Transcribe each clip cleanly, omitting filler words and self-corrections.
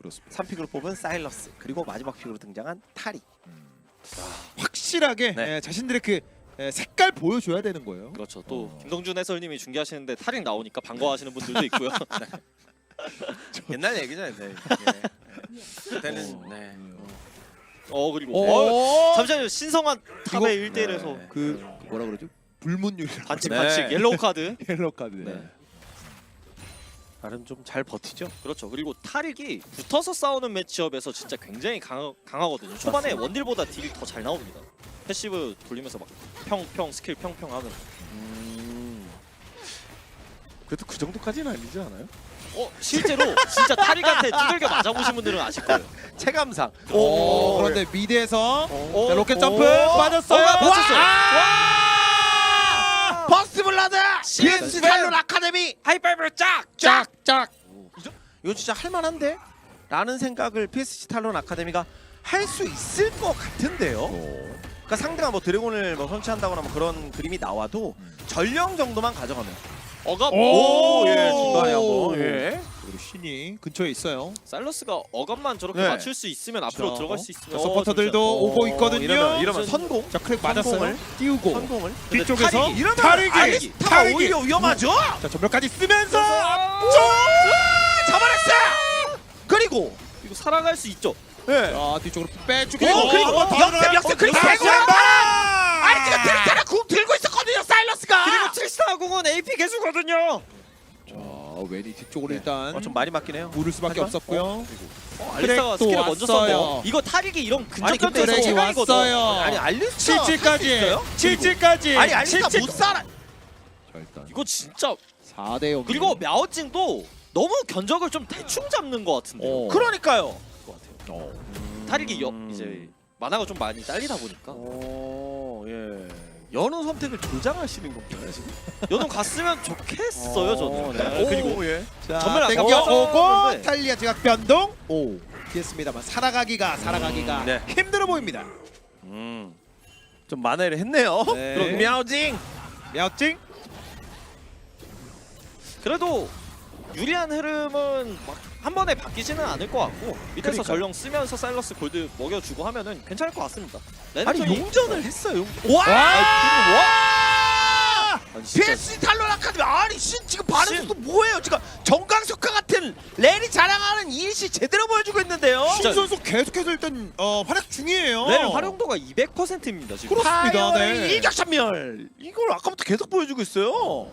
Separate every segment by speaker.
Speaker 1: 그렇습니다.
Speaker 2: 3픽으로 뽑은 사일러스 그리고 마지막 픽으로 등장한 타리.
Speaker 1: 확실하게
Speaker 2: 네.
Speaker 1: 자신들의 그 색깔 보여줘야 되는 거예요.
Speaker 3: 그렇죠. 또 김동준 해설님이 중계하시는데 타릭 나오니까 반가워하시는 분들도 있고요.
Speaker 2: 옛날 얘기잖아요. 네. 그때는 네.
Speaker 3: 그리고 잠시만요. 신성한 탑의 1대1에서
Speaker 2: 네.
Speaker 1: 그 뭐라 그러죠? 불문율이라고.
Speaker 3: 반칙
Speaker 2: 네.
Speaker 3: 반칙 옐로우 카드.
Speaker 1: 옐로 카드.
Speaker 3: 네.
Speaker 2: 나름 좀 잘 버티죠.
Speaker 3: 그렇죠. 그리고 타릭이 붙어서 싸우는 매치업에서 진짜 굉장히 강하거든요. 초반에
Speaker 2: 맞습니다.
Speaker 3: 원딜보다 딜이 더 잘 나옵니다. 패시브 돌리면서 막 평평 스킬 평평 하면
Speaker 2: 그래도 그 정도까지는 아니지 않아요?
Speaker 3: 실제로 진짜 타릭한테 두들겨 맞아보신 분들은 아실 거예요.
Speaker 2: 체감상.
Speaker 1: 그런데 미드에서
Speaker 2: 오.
Speaker 1: 자, 로켓 점프
Speaker 2: 오.
Speaker 1: 빠졌어요.
Speaker 3: 맞췄어요.
Speaker 2: 버스트 블라드!
Speaker 3: CS
Speaker 2: PS 탈론 아카데미!
Speaker 3: 하이파이브 짝!
Speaker 1: 짝짝.
Speaker 2: 이거 진짜 할만한데? 라는 생각을 PSG 탈론 아카데미가 할 수 있을 것 같은데요. 그러니까 상대가 뭐 드래곤을 뭐 선취한다거나 뭐 그런 그림이 나와도 전령 정도만 가져가면.
Speaker 3: 어감.
Speaker 2: 예, 중간에 한번. 예.
Speaker 1: 우리 신이 근처에 있어요.
Speaker 3: 살러스가 어감만 저렇게
Speaker 2: 네.
Speaker 3: 맞출 수 있으면 앞으로
Speaker 1: 자,
Speaker 3: 들어갈 수 있으면
Speaker 1: 서포터들도 오고 있거든요.
Speaker 2: 이러면 선공.
Speaker 1: 자 크랙 맞았어요.
Speaker 2: 성공을.
Speaker 1: 띄우고
Speaker 2: 성공을.
Speaker 1: 뒤쪽에서
Speaker 3: 타릭이,
Speaker 2: 이러면
Speaker 1: 타릭이
Speaker 2: 알리스타가 오히려 위험하죠.
Speaker 1: 자 전멸까지 쓰면서
Speaker 2: 잡아냈어요. 그리고
Speaker 3: 이거 살아갈 수 있죠.
Speaker 2: 예.
Speaker 1: 자 뒤쪽으로 빼주고
Speaker 2: 그리고 역습 그리고
Speaker 1: 다시
Speaker 2: 대고
Speaker 1: 한 번!
Speaker 2: 아니 지금 트리스타가 궁 들고 있었거든요. 사일러스가.
Speaker 3: 그리고 트리스타 공은 AP 개수거든요.
Speaker 1: 자 웬이 뒤쪽으로 일단
Speaker 2: 좀 많이 맞긴 해요.
Speaker 1: 물을 수밖에
Speaker 2: 하지만,
Speaker 1: 없었고요.
Speaker 3: 알리스타가
Speaker 1: 트랙도
Speaker 3: 스킬을 먼저
Speaker 1: 왔어요.
Speaker 3: 썼고 이거 타릭이 이런
Speaker 2: 아니, 근데
Speaker 3: 근접전에서
Speaker 1: 트랙이
Speaker 3: 최강이거든.
Speaker 1: 왔어요.
Speaker 2: 아니 알리스타
Speaker 1: 77까지 77까지
Speaker 2: 아니 알리스타 못 살아.
Speaker 1: 자 일단
Speaker 3: 이거 진짜
Speaker 1: 4대 0
Speaker 3: 그리고 мя오찡도 너무 견적을 좀 대충 잡는 것 같은데요.
Speaker 2: 그러니까요.
Speaker 3: 타릭이 이제 만화가 좀 많이 딸리다 보니까
Speaker 2: 예. 연우 선택을 조장하시는 건가요 지금?
Speaker 3: 연ung 갔으면 좋겠어요 저는. 네.
Speaker 2: 그리고 예.
Speaker 1: 자
Speaker 3: 전멸 안
Speaker 1: 땡겨오고
Speaker 3: 나왔는데.
Speaker 1: 탈리아 지각 변동 오 됐습니다만 살아가기가
Speaker 2: 네.
Speaker 1: 힘들어 보입니다.
Speaker 2: 좀 만회를 했네요.
Speaker 1: 네.
Speaker 2: 그럼 мя오징.
Speaker 1: мя찡
Speaker 3: 그래도 유리한 흐름은 막 한 번에 바뀌지는 않을 것 같고 밑에서
Speaker 2: 그러니까요.
Speaker 3: 전령 쓰면서 사일러스 골드 먹여주고 하면은 괜찮을 것 같습니다.
Speaker 2: 아니
Speaker 3: 레넥톤이-
Speaker 2: 용전을 했어요.
Speaker 3: 와!
Speaker 2: 아니,
Speaker 3: 진짜.
Speaker 2: PSG 탈론 아카데미 아니 지금 반응도 뭐예요? 지금 정강석화 같은 랜이 자랑하는 이일씨 제대로 보여주고 있는데요.
Speaker 1: 신 선수 계속해서 일단 활약 중이에요.
Speaker 3: 네, 활용도가 200%입니다 지금.
Speaker 1: 그렇습니다.
Speaker 2: 파이어의
Speaker 1: 네.
Speaker 2: 일격찬멸 이걸 아까부터 계속 보여주고 있어요.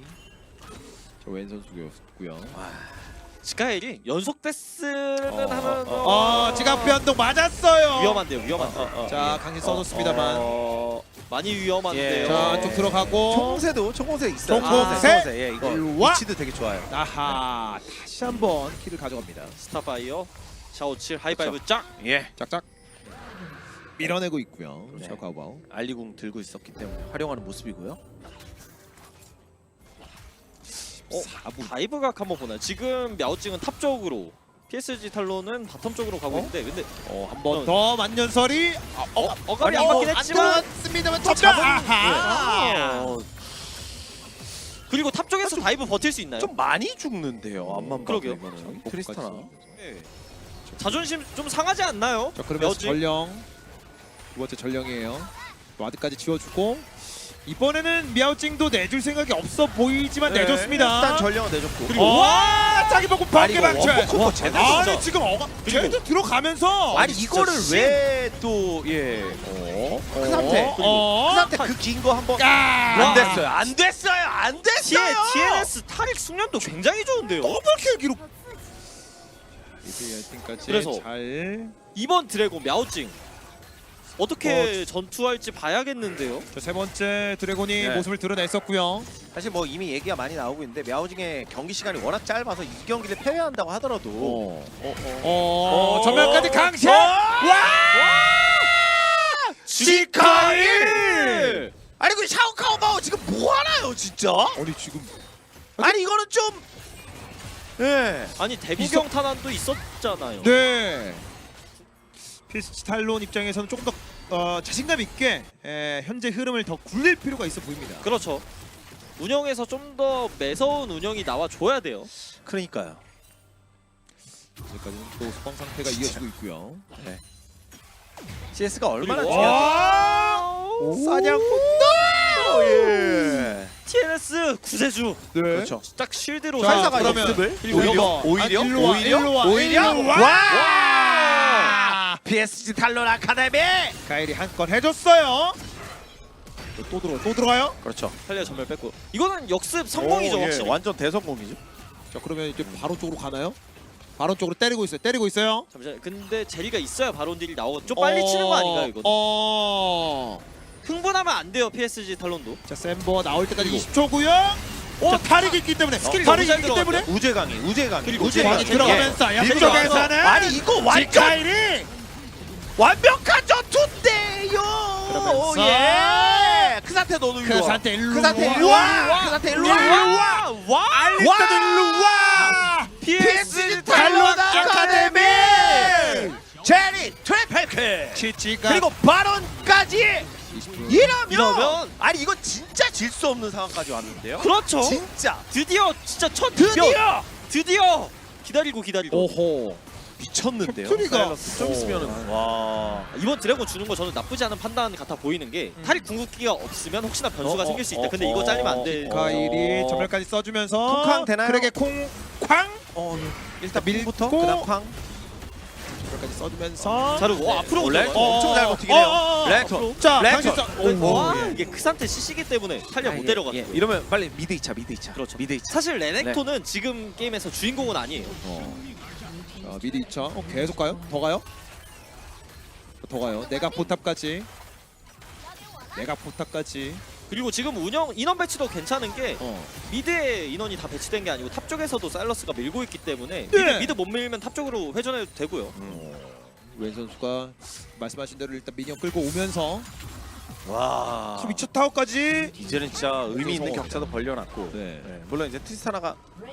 Speaker 1: 웬 선수였고요.
Speaker 3: 스카일이 연속 데스는 하면
Speaker 1: 지각 변동 맞았어요.
Speaker 3: 위험한데요, 위험한데.
Speaker 1: 자 강신 써줬습니다만.
Speaker 3: 많이 위험한데요.
Speaker 1: 자 쪽 들어가고.
Speaker 2: 총공세 있어요.
Speaker 1: 총공세?
Speaker 2: 예, 이거
Speaker 1: 일로 와.
Speaker 2: 위치도 되게 좋아요.
Speaker 1: 아하 다시 한번 키를 가져갑니다.
Speaker 3: 스타파이어, 샤오칠, 하이파이브 짝.
Speaker 2: 예.
Speaker 1: 짝짝 밀어내고 있고요.
Speaker 2: 네.
Speaker 1: 자 가봐오.
Speaker 2: 알리궁 들고 있었기 때문에 활용하는 모습이고요.
Speaker 1: 4분.
Speaker 3: 다이브각 한번 보나요? 지금 мя오찡은 탑 쪽으로, PSG 탈론은 바텀 쪽으로 가고 있는데 근데
Speaker 1: 한 번 더 만년설이
Speaker 3: 어감이 안 맞긴 했지만
Speaker 1: 들어왔습니다만
Speaker 3: 또
Speaker 1: 전멸.
Speaker 3: 잡은-
Speaker 1: 아하.
Speaker 3: 그리고 탑 쪽에서 다이브 버틸 수 있나요?
Speaker 2: 좀 많이 죽는데요. 앞만 봐도
Speaker 3: 그러게요.
Speaker 2: 이거는. 트리스타나.
Speaker 3: 네. 자존심 좀 상하지 않나요?
Speaker 1: 자 그러면서
Speaker 3: мя오찡?
Speaker 1: 전령 두 번째 전령이에요. 와드까지 지워주고 이번에는 мя오찡도 내줄 생각이 없어 보이지만
Speaker 2: 네,
Speaker 1: 내줬습니다.
Speaker 2: 일단 전령은 내줬고.
Speaker 1: 그리고 와 짜기 보고 번개
Speaker 2: 이거
Speaker 1: 방출.
Speaker 2: 원포 제대로
Speaker 1: 아니
Speaker 2: 진짜.
Speaker 1: 지금
Speaker 3: 그리고-
Speaker 1: 쟤도 들어가면서
Speaker 2: 아니 이거를
Speaker 3: 진짜
Speaker 2: 왜 또 예. 큰 상태. 큰 상태 그 긴 거 한번 안
Speaker 1: 안
Speaker 2: 됐어요. 안 됐어요. 안 됐어요.
Speaker 3: TNS 타릭 숙련도 굉장히 좋은데요.
Speaker 1: 더블킬 기록. 이팀까지
Speaker 3: 그래서
Speaker 1: 잘.
Speaker 3: 이번 드래곤 мя오찡 어떻게 전투할지 봐야겠는데요.
Speaker 1: 세 번째 드래곤이
Speaker 2: 네.
Speaker 1: 모습을 드러냈었고요.
Speaker 2: 사실 뭐 이미 얘기가 많이 나오고 있는데 мя오징의 경기 시간이 워낙 짧아서 이 경기를 패배한다고 하더라도
Speaker 1: 전면까지 강신.
Speaker 2: 지카일! 아니 그 샤오카오바오 지금 뭐 하나요 진짜?
Speaker 1: 아니 지금
Speaker 2: 아니 이거는 좀 예.
Speaker 3: 아니 대구경 탄환도 있었잖아요.
Speaker 1: 네. PSG 탈론 입장에서는 조금 더 자신감 있게 현재 흐름을 더 굴릴 필요가 있어 보입니다.
Speaker 3: 그렇죠. 운영에서 좀 더 매서운 운영이 나와 줘야 돼요.
Speaker 2: 그러니까요.
Speaker 1: 여기까지는 또 소방 상태가 이어지고 있고요.
Speaker 2: CS가 얼마나
Speaker 3: 그리고-
Speaker 2: 중요한지 사냥꾼도 예.
Speaker 3: TNS 구세주
Speaker 1: 네.
Speaker 2: 그렇죠.
Speaker 3: 딱 쉴드로
Speaker 1: 자,
Speaker 2: 살사가
Speaker 1: 그러면
Speaker 2: 역습을
Speaker 3: 그리고
Speaker 2: 오히려
Speaker 1: 일로 와, 일로 와,
Speaker 2: 오히려
Speaker 1: 일로 와.
Speaker 2: 와 PSG 탈론 아카데미
Speaker 1: 가일이 한 건 해줬어요. 또 들어가요.
Speaker 2: 그렇죠.
Speaker 3: 탈리아 전멸 뺐고 이거는 역습 성공이죠
Speaker 2: 오, 예,
Speaker 3: 확실히.
Speaker 2: 완전 대성공이죠.
Speaker 1: 자 그러면 이제 바로 쪽으로 가나요? 바로 쪽으로 때리고 있어요.
Speaker 3: 잠시만 근데 제리가 있어야 바론 딜이 나오고 좀 빨리 치는 거 아닌가요 이거? 흥분하면 안 돼요 PSG 탈론도.
Speaker 1: 자 샘버 나올 때까지
Speaker 3: 그리고-
Speaker 1: 20초고요. 자 탈이 있기 때문에
Speaker 3: 스킬이
Speaker 1: 탈이
Speaker 3: 너무 잘
Speaker 1: 있기 때문에
Speaker 2: 우재강이
Speaker 3: 그리고
Speaker 1: 많이
Speaker 3: 우재강이
Speaker 1: 들어가면서
Speaker 3: 예.
Speaker 1: 양쪽에서는
Speaker 2: 아니 이거 완전
Speaker 1: 가일이
Speaker 2: 완벽한 전투인데요.
Speaker 1: 그러면서
Speaker 2: 예. 그 상태 너도
Speaker 1: 그 상태 일로
Speaker 2: 그 상태
Speaker 1: 와.
Speaker 2: 일로 와. 그 상태 일로 와.
Speaker 3: 와!
Speaker 1: 알리스타도 일로 와.
Speaker 2: PSG 탈론 아카데미 제리 트래펠크
Speaker 1: 치치가
Speaker 2: 그리고 바론까지
Speaker 1: 20분.
Speaker 2: 이러면 아니 이건 진짜 질 수 없는 상황까지 왔는데요.
Speaker 3: 그렇죠.
Speaker 2: 진짜
Speaker 3: 드디어 진짜 첫
Speaker 2: 드디어
Speaker 3: 기다리고
Speaker 1: 오호.
Speaker 2: 미쳤는데요.
Speaker 1: 캡틴이가-
Speaker 2: 사일러스 좀 있으면은 와.
Speaker 3: 이번 드래곤 주는 거 저는 나쁘지 않은 판단 같아 보이는 게 탈이 궁극기가 없으면 혹시나 변수가 생길 수 있다. 근데 이거 잘리면 안 돼.
Speaker 1: 가일이 전멸까지 써주면서
Speaker 2: 쿵쾅 되나요?
Speaker 1: 그에게 콩쾅
Speaker 2: 일단
Speaker 1: 밀고
Speaker 2: 밀부터 그다음 쾅.
Speaker 1: 전멸까지 써주면서
Speaker 3: 자르고 앞으로
Speaker 2: 렉
Speaker 3: 들어가요.
Speaker 2: 엄청 잘 버티긴 해요. 렉터.
Speaker 1: 자
Speaker 2: 렉터.
Speaker 1: 당신
Speaker 3: 와
Speaker 1: 예.
Speaker 3: 이게 크산테 CC기 때문에 탈리아 못 데려갔고.
Speaker 2: 예. 이러면 빨리 미드 2차
Speaker 3: 그렇죠.
Speaker 2: 미드 2차.
Speaker 3: 사실 레넥톤은 지금 게임에서 주인공은 아니에요.
Speaker 1: 미리 2차 계속 가요? 더 가요? 더 가요. 내가 포탑까지
Speaker 3: 그리고 지금 운영 인원 배치도 괜찮은 게
Speaker 1: 어.
Speaker 3: 미드에 인원이 다 배치된 게 아니고 탑 쪽에서도 사일러스가 밀고 있기 때문에
Speaker 1: 네.
Speaker 3: 미드 못 밀면 탑 쪽으로 회전해도 되고요.
Speaker 1: 웬 선수가 말씀하신 대로 일단 미니언 끌고 오면서
Speaker 2: 와.
Speaker 1: 미쳐 타워까지
Speaker 2: 이제는 진짜 의미 있는
Speaker 1: 성공합니다.
Speaker 2: 격차도 벌려놨고.
Speaker 1: 네.
Speaker 2: 네. 물론 이제 트리스타나가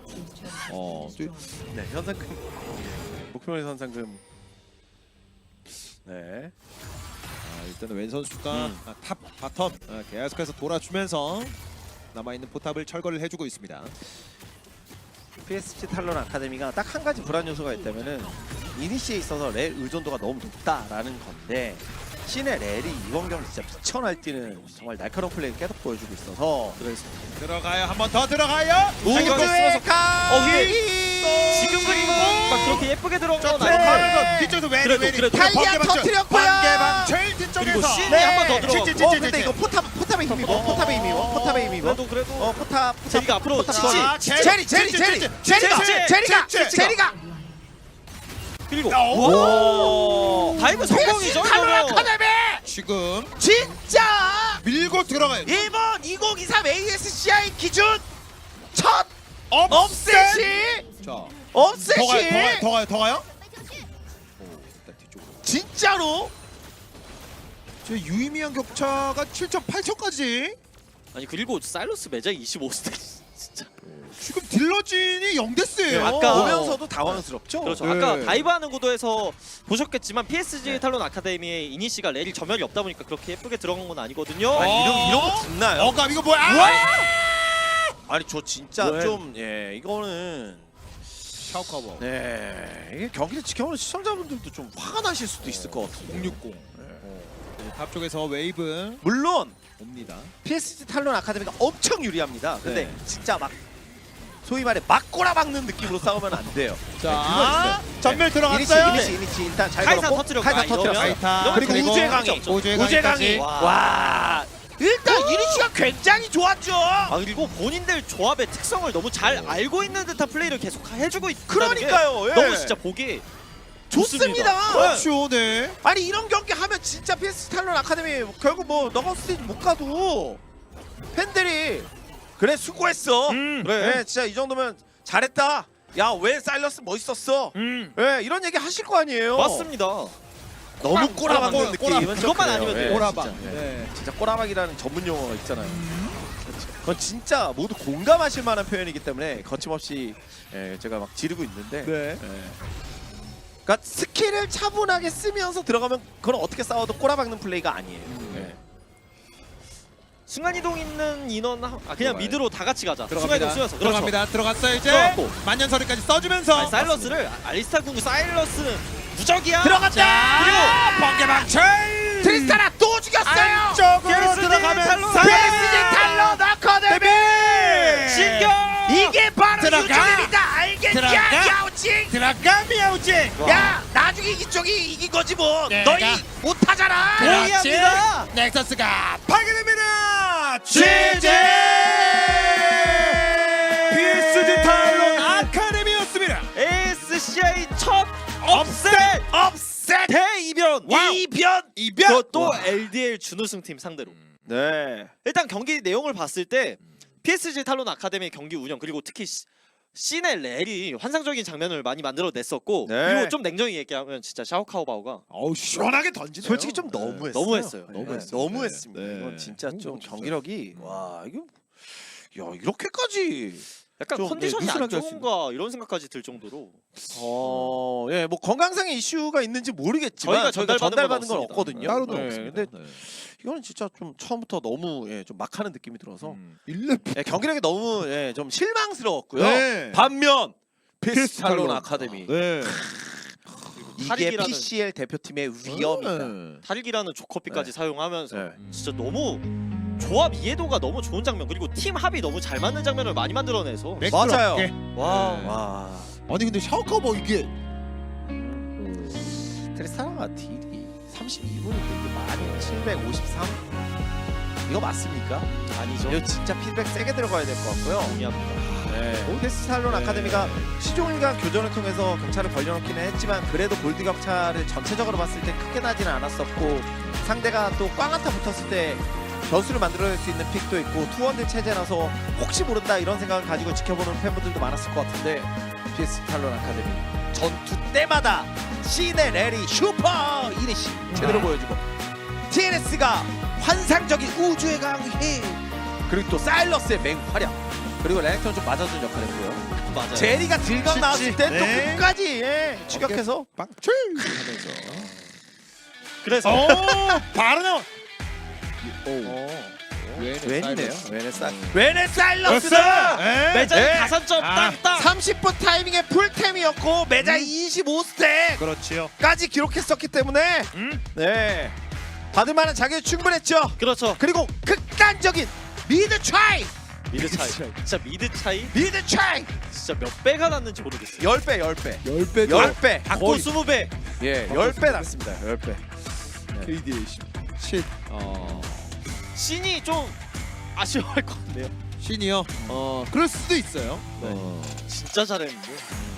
Speaker 2: 네, 현상금 목표의 현상금. 네.
Speaker 1: 일단은 웬 선수가 탑 바텀 계속해서 돌아주면서 남아있는 포탑을 철거를 해주고 있습니다.
Speaker 2: PSG 탈론 아카데미가 딱 한 가지 불안 요소가 있다면은 이니시에 있어서 렐 의존도가 너무 높다라는 건데 신의 렐이 이번 경기 진짜 미쳐 날뛰는 정말 날카로운 플레이를 계속 보여주고 있어서
Speaker 3: 그래서
Speaker 1: 들어가요. 한 번 더 들어가요.
Speaker 2: 우주의 가위
Speaker 3: 지금 그리고 막 그렇게 예쁘게 들어온 건
Speaker 1: 네.
Speaker 3: 아니고
Speaker 1: 뒤쪽에서
Speaker 3: 그래도, 그래도.
Speaker 2: 탈리아 터뜨렸고요.
Speaker 1: 반개방 제일
Speaker 3: 그리고
Speaker 1: 뒤쪽에서
Speaker 3: 신이
Speaker 2: 네.
Speaker 3: 한 번 더 들어가고
Speaker 2: 근데 이거 포탑에 힘입어. 포탑에 힘입어.
Speaker 3: 그래도
Speaker 2: 포탑.
Speaker 3: 제리가 앞으로
Speaker 2: 포탑.
Speaker 3: 지지.
Speaker 1: 아,
Speaker 2: 제리가.
Speaker 3: 그리고
Speaker 1: 오!
Speaker 3: 다이브 성공이죠
Speaker 2: 탈론
Speaker 3: 이거는.
Speaker 2: 아카데미
Speaker 1: 지금
Speaker 2: 진짜
Speaker 1: 밀고 들어가요.
Speaker 2: 이번 2023 ASCI 기준 첫
Speaker 1: 업셋.
Speaker 2: 업셋이
Speaker 1: 자,
Speaker 2: 업셋이
Speaker 1: 더 가요. 일단 뒤쪽으로.
Speaker 2: 진짜로
Speaker 1: 저 유의미한 격차가 7점, 8점까지.
Speaker 3: 아니 그리고 사일러스 매장 25스택 진짜.
Speaker 1: 지금 딜러진이 0대스예요.
Speaker 3: 아까
Speaker 2: 보면서도 당황스럽죠.
Speaker 3: 그렇죠.
Speaker 1: 네.
Speaker 3: 아까 다이브하는 구도에서 보셨겠지만 PSG 탈론 아카데미의 이니시가 렐이 점멸이 없다 보니까 그렇게 예쁘게 들어간 건 아니거든요.
Speaker 2: 아니 이런 거 듣나요?
Speaker 1: 어감 이거 뭐야?
Speaker 2: 아니 저 진짜
Speaker 3: 왜?
Speaker 2: 좀 이거는
Speaker 1: 샤오카워.
Speaker 2: 네 이게 경기를 지켜보는 시청자분들도 좀 화가 나실 수도 있을 것 같은데.
Speaker 1: 060. 탑 쪽에서 웨이브
Speaker 2: 물론
Speaker 1: 옵니다.
Speaker 2: PSG 탈론 아카데미가 엄청 유리합니다. 근데
Speaker 1: 네.
Speaker 2: 진짜 막 소위 말해 막고라 박는 느낌으로 싸우면 안 돼요.
Speaker 1: 자,
Speaker 2: 그거
Speaker 1: 전멸
Speaker 2: 있어요.
Speaker 1: 들어갔어요.
Speaker 2: 이니시 일단 잘
Speaker 3: 카이사
Speaker 2: 걸었고
Speaker 3: 터뜨렸고,
Speaker 2: 카이사
Speaker 3: 아, 이러면-
Speaker 2: 터뜨렸어요.
Speaker 1: 카이타
Speaker 2: 그리고 우주의 강이
Speaker 1: 우주의
Speaker 2: 우주의
Speaker 1: 강이까지.
Speaker 2: 강이 와 일단 이니시가 굉장히 좋았죠.
Speaker 3: 아 그리고 본인들 조합의 특성을 너무 잘 알고 있는 듯한 플레이를 계속 해주고 있다는 게
Speaker 2: 그러니까요. 예.
Speaker 3: 너무 진짜 보기
Speaker 2: 좋습니다.
Speaker 1: 그렇죠, 네.
Speaker 2: 아니 이런 경기 하면 진짜 PSG 탈론 아카데미 결국 뭐 너가 스테이지 못 가도 팬들이 그래 수고했어.
Speaker 3: 그래.
Speaker 2: 네, 진짜 이 정도면 잘했다. 야 왜 사일러스 멋있었어. 네, 이런 얘기 하실 거 아니에요.
Speaker 3: 맞습니다.
Speaker 2: 너무 꼬라박는 느낌.
Speaker 3: 그것만 아니면 돼요.
Speaker 1: 꼬라박.
Speaker 2: 진짜.
Speaker 1: 네.
Speaker 2: 진짜 꼬라박이라는 전문 용어가 있잖아요. 그건 진짜 모두 공감하실 만한 표현이기 때문에 거침없이 제가 막 지르고 있는데
Speaker 1: 네.
Speaker 2: 그러니까 스킬을 차분하게 쓰면서 들어가면 그건 어떻게 싸워도 꼬라박는 플레이가 아니에요. 네.
Speaker 3: 순간 이동 있는 인원 그냥
Speaker 1: 들어가요.
Speaker 3: 미드로 다 같이 가자. 순간
Speaker 1: 들어갑니다.
Speaker 3: 이동 쓰면서
Speaker 1: 들어갑니다. 들어갔어요 이제.
Speaker 3: 들어갔고.
Speaker 1: 만년설이까지 써주면서.
Speaker 3: 아니, 사일러스를 알리스타 궁 사일러스는 무적이야.
Speaker 2: 들어갔다.
Speaker 1: 번개 방출.
Speaker 2: 트리스타나 또 죽였어요.
Speaker 1: 안쪽으로
Speaker 3: PSG
Speaker 1: 들어가면서.
Speaker 3: 탈론.
Speaker 2: PSG 탈론 아카데미.
Speaker 3: 진격.
Speaker 2: 이게 바로
Speaker 1: 들어가.
Speaker 2: 유종입니다. 알겠냐?
Speaker 1: 들어가.
Speaker 2: 야우징.
Speaker 1: 들어가 미야우지.
Speaker 2: 야 나중에 이쪽이 이긴 거지 뭐.
Speaker 1: 내가.
Speaker 2: 너희 못하잖아.
Speaker 3: 동의합니다.
Speaker 1: 넥서스가 파괴됩니다.
Speaker 2: GG!
Speaker 1: PSG 탈론 아카데미였습니다.
Speaker 3: ASCI 첫
Speaker 1: 업셋.
Speaker 2: 업셋.
Speaker 3: 대이변.
Speaker 2: 이변.
Speaker 3: 그것도
Speaker 2: 와.
Speaker 3: LDL 준우승팀 상대로.
Speaker 2: 네.
Speaker 3: 일단 경기 내용을 봤을 때 PSG 탈론 아카데미 경기 운영 그리고 특히 씬의 렐이 환상적인 장면을 많이 만들어냈었고
Speaker 2: 네.
Speaker 3: 그리고 좀 냉정히 얘기하면 진짜 샤오카오바오가
Speaker 1: 어우 시원하게 던지네요.
Speaker 2: 솔직히 좀 너무했어요.
Speaker 3: 너무했어요.
Speaker 1: 너무했어요.
Speaker 2: 너무했습니다.
Speaker 1: 네.
Speaker 2: 이건 진짜 좀
Speaker 1: 진짜.
Speaker 2: 경기력이 와 이거 야 이렇게까지
Speaker 3: 약간
Speaker 2: 좀,
Speaker 3: 컨디션이
Speaker 2: 네,
Speaker 3: 안
Speaker 2: 느슨하게 할 수
Speaker 3: 좋은가 이런 생각까지 들 정도로
Speaker 2: 예, 뭐 건강상의 이슈가 있는지 모르겠지만
Speaker 3: 저희가
Speaker 2: 전달받은 건
Speaker 3: 없습니다.
Speaker 2: 없거든요.
Speaker 1: 따로는
Speaker 2: 네,
Speaker 1: 없습니다.
Speaker 2: 근데 이거는 진짜 좀 처음부터 너무 좀 막하는 느낌이 들어서
Speaker 1: 1렙.
Speaker 2: 경기력이 너무 좀 실망스러웠고요.
Speaker 1: 네.
Speaker 2: 반면
Speaker 1: PSG
Speaker 2: PSG 탈론
Speaker 1: 탈론.
Speaker 2: 아카데미
Speaker 1: 네.
Speaker 2: 이게
Speaker 3: 탈익이라는-
Speaker 2: PCL 대표팀의 위험이다.
Speaker 1: 네.
Speaker 3: 탈익이라는 조커피까지 사용하면서
Speaker 2: 네.
Speaker 3: 진짜 너무 조합 이해도가 너무 좋은 장면 그리고 팀 합이 너무 잘 맞는 장면을 많이 만들어내서
Speaker 2: 맞아요.
Speaker 1: 매끄럽게.
Speaker 3: 와
Speaker 1: 네.
Speaker 2: 와
Speaker 1: 아니 근데 샤오카오바 이게
Speaker 2: 트리스타나가 딜이 32분인데 이게 1753 이거 맞습니까?
Speaker 3: 아니죠.
Speaker 2: 이거 진짜 피드백 세게 들어가야 될 것 같고요.
Speaker 3: 동의합니다.
Speaker 2: PSG 탈론
Speaker 1: 네.
Speaker 2: 아카데미가 시종일관 교전을 통해서 격차를 벌려놓기는 했지만 그래도 골드 격차를 전체적으로 봤을 때 크게 나지는 않았었고 상대가 또 꽝한타 붙었을 때 변수를 만들어낼 수 있는 픽도 있고 투원들 체제라서 혹시 모른다 이런 생각을 가지고 지켜보는 팬분들도 많았을 것 같은데 PSG 탈론 아카데미 전투 때마다 신의 레리 슈퍼 이니시 제대로 보여주고 TNS가 환상적인 우주의 강해 그리고 또 사일러스의 맹활약 그리고 레넥톤 좀 맞아준 역할을 했고요.
Speaker 3: 맞아요.
Speaker 2: 제리가 들강 나왔을 때 또
Speaker 1: 네.
Speaker 2: 끝까지 추격해서
Speaker 1: 방출.
Speaker 2: 하면서
Speaker 3: 그래서
Speaker 1: 바로 나와.
Speaker 2: 웬이네요. 웬의 사일러스다.
Speaker 3: 매장
Speaker 1: 네.
Speaker 3: 가산점
Speaker 1: 아.
Speaker 3: 땅땅.
Speaker 2: 30분 타이밍에 풀템이었고 매장 25스택까지
Speaker 1: 그렇지요.
Speaker 2: 기록했었기 때문에 네 받을 만한 자격이 충분했죠.
Speaker 3: 그렇죠.
Speaker 2: 그리고 극단적인 미드 차이
Speaker 3: 미드 차이. 진짜 미드 차이
Speaker 2: 미드 차이
Speaker 3: 진짜 몇 배가 났는지 모르겠어요.
Speaker 2: 10배
Speaker 1: 10배.
Speaker 2: 10배
Speaker 3: 받고 20배.
Speaker 2: 예 10배 났습니다 10배
Speaker 1: KDA 10.
Speaker 3: 신이 좀 아쉬워할 것 같네요.
Speaker 1: 신이요. 그럴 수도 있어요.
Speaker 3: 진짜 잘했는데.